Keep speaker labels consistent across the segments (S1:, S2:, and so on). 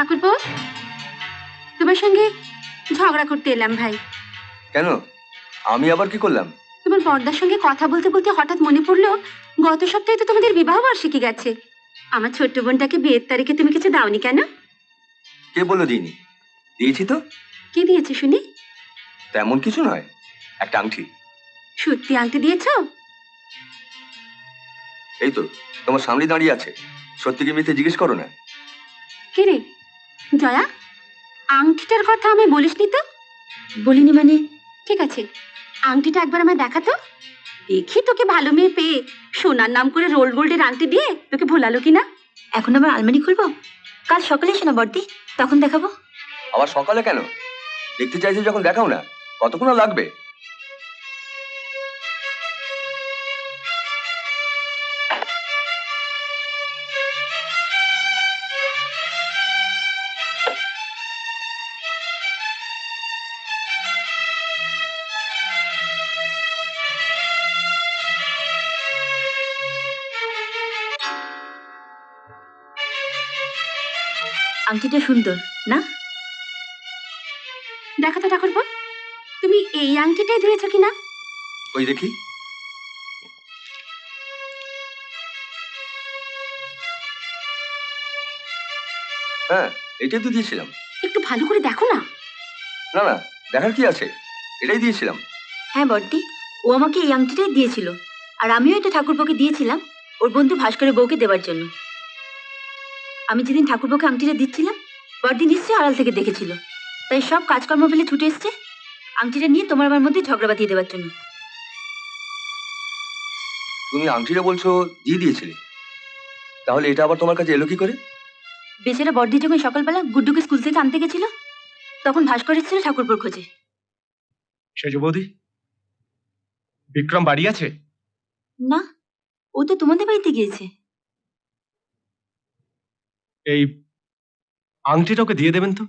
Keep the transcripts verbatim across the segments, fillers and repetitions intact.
S1: ঠাকুরপো, তোমার সঙ্গে ঝগড়া করতে এলাম ভাই।
S2: কেন? আমি আবার কি করলাম?
S1: তোমার বড়দার সঙ্গে কথা বলতে বলতে হঠাৎ মনে পড়লো গত সপ্তাহে তো তোমাদের বিবাহ বার্ষিকী গেছে। আমার ছোট্ট বোনটাকে বিয়ের তারিখে তুমি কিছু দাওনি কেন?
S2: কে বললো দিইনি? দিয়েছি তো।
S1: কি দিয়েছে শুনি?
S2: তেমন কিছু নয়, একটা আংটি।
S1: সত্যি আংটি দিয়েছো?
S2: এই তো তোমার সামনে দাঁড়িয়ে আছে, সত্যি কি মিথ্যে জিজ্ঞেস করো না।
S1: কে রে জয়া, আংটিটার কথা আমি বলিসনি তো? বলিনি মানে? ঠিক আছে, আংটিটা একবার আমায় দেখাতো, দেখি তোকে ভালো মেয়ে পেয়ে সোনার নাম করে রোল গোল্ডের আংটি দিয়ে তোকে ভোলালো কিনা।
S3: এখন আবার আলমারি খুলবো? কাল সকালে এসো না বর্দি, তখন দেখাবো।
S2: আবার সকালে কেন? দেখতে চাইছো যখন দেখাও না। কতক্ষণ আর লাগবে?
S3: আংটিটা সুন্দর না?
S1: দেখো তো ঠাকুরপো, তুমি এই আংটিটাই ধুয়েছো কিনা?
S2: ওই দেখি। হ্যাঁ, এটাই তো দিয়েছিলাম।
S1: একটু ভালো করে দেখো না।
S2: না না, দেখার কি আছে, এটাই দিয়েছিলাম।
S3: হ্যাঁ বর্দি, ও আমাকে এই আংটিটাই দিয়েছিল, আর আমিও এটা ঠাকুরপোকে দিয়েছিলাম ওর বন্ধু ভাস্করের বউকে দেওয়ার জন্য। আমি যেদিন ঠাকুরপোকে আংটিটা দিচ্ছিলাম, বর্দি নিশ্চয়ই আড়াল থেকে দেখেছিল, তাই সব কাজকর্ম ফেলে ছুটে এসছে আংটিটা নিয়ে তোমার আমার মধ্যে ঝগড়া বাঁধিয়ে দেওয়ার জন্য।
S2: তুমি আংটিটা বলছো দিয়ে দিয়েছিলে, তাহলে এটা আবার তোমার কাছে এলো কি করে?
S3: বেচারা বর্দি যখন সকালবেলা গুড্ডুকে স্কুল থেকে আনতে গেছিল, তখন ভাস্কর এসেছিল ঠাকুরপোর খোঁজে।
S4: সেজ বৌদি, বিক্রম বাড়ি আছে?
S3: না, ও তো তোমাদের বাড়িতে গিয়েছে।
S4: এই আংটিটা ওকে দিয়ে দেবেন তো।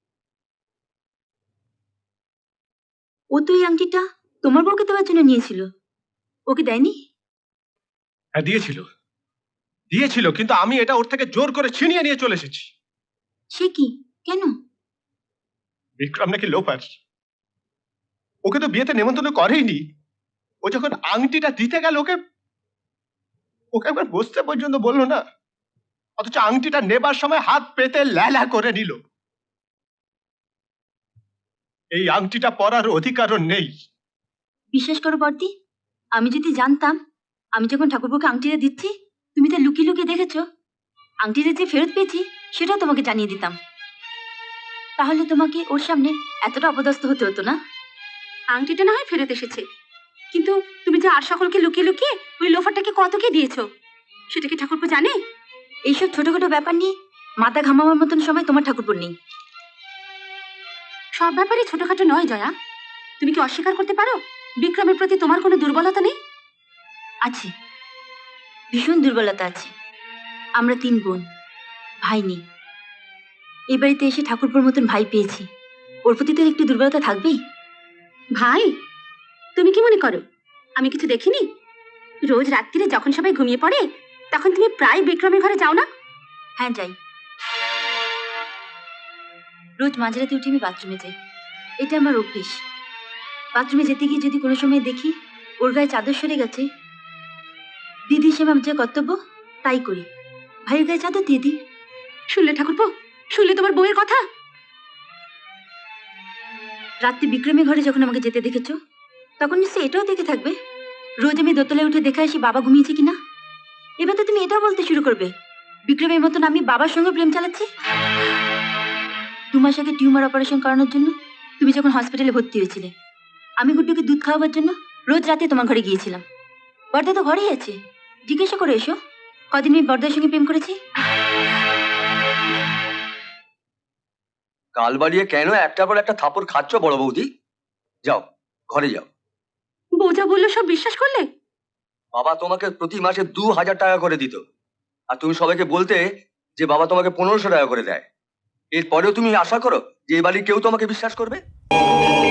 S3: ও তো এই আংটিটা তোমার বউকে দেওয়ার জন্য নিয়েছিল, ওকে দেয়নি?
S4: হ্যাঁ দিয়েছিল, দিয়েছিল, কিন্তু আমি এটা ওর থেকে জোর করে ছিনিয়ে নিয়ে চলে এসেছি।
S3: সে কি? কেন?
S4: বিক্রম নাকি লোপার, ওকে তো বিয়েতে নেমন্তন্ন করেইনি। ও যখন আংটিটা দিতে গেল, ওকে ওকে একবার বসতে পর্যন্ত বললো না, অথচ আংটিটা নেবার সময় হাত পেতে ল্যালা করে নিল। এই আংটিটা পরার অধিকারও নেই।
S3: বিশ্বাস করো বর্দি, আমি যদি জানতাম আমি যখন ঠাকুরপোকে আংটিটা দিচ্ছি তুমি তা লুকিয়ে লুকিয়ে দেখেছো, আংটিটা যে ফেরত পেয়েছি সেটাও তোমাকে জানিয়ে দিতাম। তাহলে তোমাকে ওর সামনে এতটা অপদস্থ হতে হতো না।
S1: আংটিটা না হয় ফেরত এসেছে, কিন্তু তুমি যে আর সকলকে লুকিয়ে লুকিয়ে ওই লোফারটাকে কত কে দিয়েছো সেটা কি ঠাকুরপো জানে?
S3: এইসব ছোটখাটো ব্যাপার নিয়ে মাথা ঘামাবার মতন সময় তোমার ঠাকুরপোর নেই।
S1: সব ব্যাপারে ছোটখাটো নয় জয়া, তুমি কি অস্বীকার করতে পারো বিক্রমের প্রতি তোমার কোনো দুর্বলতা নেই?
S3: আছে, ভীষণ দুর্বলতা আছে। আমরা তিন বোন, ভাই নেই। এই বাড়িতে এসে ঠাকুরপোর মতন ভাই পেয়েছি, ওর প্রতি তো একটু দুর্বলতা থাকবেই।
S1: ভাই, তুমি কি মনে করো আমি কিছু দেখিনি? রোজ রাত্রিরে যখন সবাই ঘুমিয়ে পড়ে তখন তুমি প্রায় বিক্রমের ঘরে যাও না?
S3: হ্যাঁ যাই, রোজ মাঝরাতে উঠে আমি বাথরুমে যাই, এটা আমার অভ্যেস। বাথরুমে যেতে গিয়ে যদি কোনো সময় দেখি ওর গায়ে চাদর সরে গেছে, দিদি হিসেবে আমার যে কর্তব্য তাই করি, ভাইয়ের গায়ে চাদর দিয়ে দিই।
S1: শুনলে ঠাকুরপো, শুনলে তোমার বউয়ের কথা?
S3: রাত্রি বিক্রমের ঘরে যখন আমাকে যেতে দেখেছো, তখন নিশ্চয়ই এটাও দেখে থাকবে রোজ আমি দোতলায় উঠে দেখে আসি বাবা ঘুমিয়েছে কিনা। এবার তো তুমি এটাও বলতে শুরু করবে বিক্রমের মতন আমি বাবার সঙ্গে প্রেম চালাচ্ছি। দু মাস আগে টিউমার অপারেশন করানোর জন্য তুমি যখন হসপিটালে ভর্তি হয়েছিলে, আমি গুড্ডুকে দুধ খাওয়াবার জন্য রোজ রাতে তোমার ঘরে গিয়েছিলাম। বর্দা তো ঘরেই আছে, জিজ্ঞাসা করে এসো কদিন আমি বর্দার সঙ্গে প্রেম করেছি।
S2: কাল বাড়িয়ে কেন একটার পর একটা থাপড় খাচ্ছ বড় বৌদি? যাও, ঘরে যাও।
S1: বউ যা বললো সব বিশ্বাস করলে?
S2: বাবা তোমাকে প্রতি মাসে দু হাজার টাকা করে দিত, আর তুমি সবাইকে বলতে যে বাবা তোমাকে পনেরোশো টাকা করে দেয়। এরপরেও তুমি আশা করো যে এই বাড়ির কেউ তোমাকে বিশ্বাস করবে?